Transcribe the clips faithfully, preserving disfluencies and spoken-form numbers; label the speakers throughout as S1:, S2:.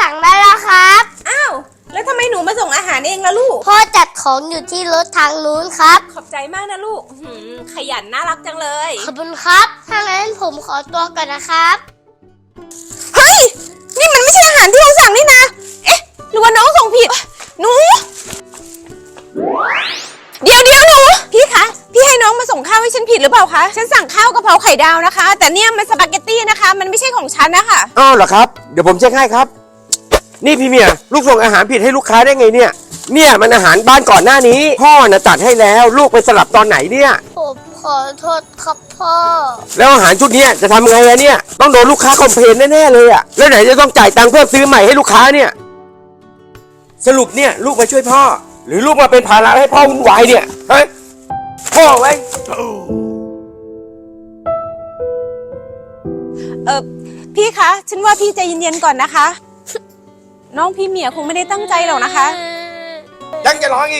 S1: สั่งได้แล้วครับ
S2: อ้าวแล้วทำไมหนูมาส่งอาหารเองล่ะลูก
S1: พ่อจัดของอยู่ที่รถทางนู้นครับ
S2: ขอบใจมากนะลูกขยันน่ารักจังเลย
S1: ขอบคุณครับถ้างั้นผมขอตัวก่อนนะครับ
S2: เฮ้ยนี่มันไม่ใช่อาหารที่เราสั่งนี่นะเอ๊ะหรือว่าน้องส่งผิดหนูเดี๋ยวเดี๋ยวหนูพี่คะพี่ให้น้องมาส่งข้าวให้ฉันผิดหรือเปล่าคะฉันสั่งข้าวกะเพราไข่ดาวนะคะแต่เนี่ยมันสปาเกตตี้นะคะมันไม่ใช่ของฉันนะคะ
S3: อ้าวเหรอครับเดี๋ยวผมเช็คให้ครับนี่พี่เมียลูกส่งอาหารผิดให้ลูกค้าได้ไงเนี่ยเนี่ยมันอาหารบ้านก่อนหน้านี้พ่อน่ะจัดให้แล้วลูกไปสลับตอนไหนเนี่ย
S1: ผมขอโทษครับพ่อ
S3: แล้วอาหารชุดนี้จะทำไงอะเนี่ยต้องโดนลูกค้าคอมเพลนแน่ๆเลยอะแล้วไหนจะต้องจ่ายตังค์เพื่อซื้อใหม่ให้ลูกค้าเนี่ยสรุปเนี่ยลูกมาช่วยพ่อหรือลูกมาเป็นภาระให้พ่อวุ่นวายเนี่ยฮะพ่อไว้
S2: เออพี่คะฉันว่าพี่ใจเย็นๆก่อนนะคะน้องพี่เมียคงไม่ได้ตั้งใจหรอกนะคะ
S3: ยังจะร้องอีก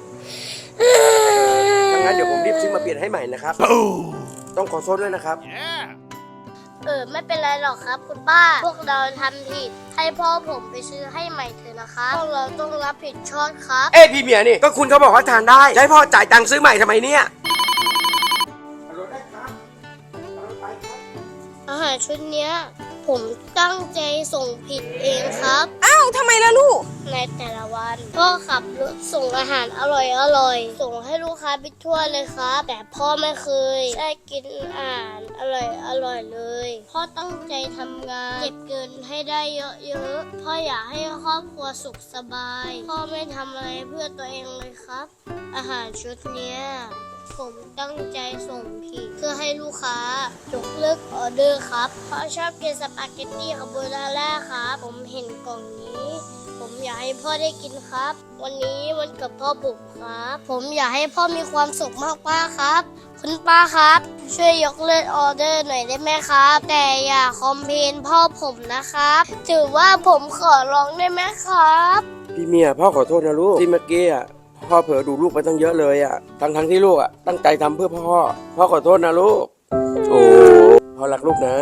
S3: ดังนั้นเดี๋ยวผมรีบซื้อมาเปลี่ยนให้ใหม่นะครับต้องขอโทษด้วยนะครับ
S1: เออไม่เป็นไรหรอกครับคุณป้าพวกเราทำผิดให้พ่อผมไปซื้อให้ใหม่เถอะนะคะพวกเราต้องรับผิดชอบครับ
S3: เอ้พี่เมียนี่ก็คุณเขาบอกว่าทานได้ให้พ่อจ่ายตังค์ซื้อใหม่ทำไมเนี่ย
S1: อาหารชุดเนี้ยผมตั้งใจส่งผิดเองครับ
S2: อ้าวทำไมล่ะลูก
S1: ในแต่ละวันพ่อขับรถส่งอาหารอร่อยอร่อยส่งให้ลูกค้าไปทั่วเลยครับแต่พ่อไม่เคยได้กินอาหารอร่อยอร่อยเลยพ่อตั้งใจทำงานเก็บเงินให้ได้เยอะๆพ่ออยากให้ครอบครัวสุขสบายพ่อไม่ทำอะไรเพื่อตัวเองเลยครับอาหารชุดเนี้ยผมตั้งใจส่งผิดเพื่อให้ลูกค้ายกเลิกออเดอร์ครับเพราะชอบกินสปาเกตตี้คาโบนาร่าครับผมเห็นกล่องนี้ผมอยากให้พ่อได้กินครับวันนี้วันเกิดพ่อบุกครับผมอยากให้พ่อมีความสุขมากๆครับคุณป้าครับช่วยยกเลิกออเดอร์หน่อยได้ไหมครับแต่อย่าคอมเพลนพ่อผมนะครับถือว่าผมขอร้องได้ไหมครับ
S3: พี่เมียพ่อขอโทษนะลูกที่เมื่อกี้อ่ะพ่อเผลอดูลูกไปตั้งเยอะเลยอ่ะทั้งทั้งที่ลูกอ่ะตั้งใจทำเพื่อพ่อพ่อขอโทษนะลูกโอ้พ่อรักลูกนะ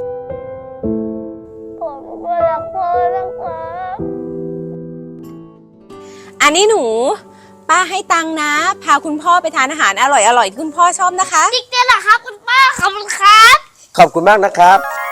S1: ผมก็รักพ่อนะครับ
S2: อันนี้หนูป้าให้ตังค์นะพาคุณพ่อไปทานอาหารอร่อยๆที่คุณพ่อชอบนะคะ
S1: จริงๆเหรอครับคุณป้าขอบคุณครับ
S3: ขอบคุณมากนะครับ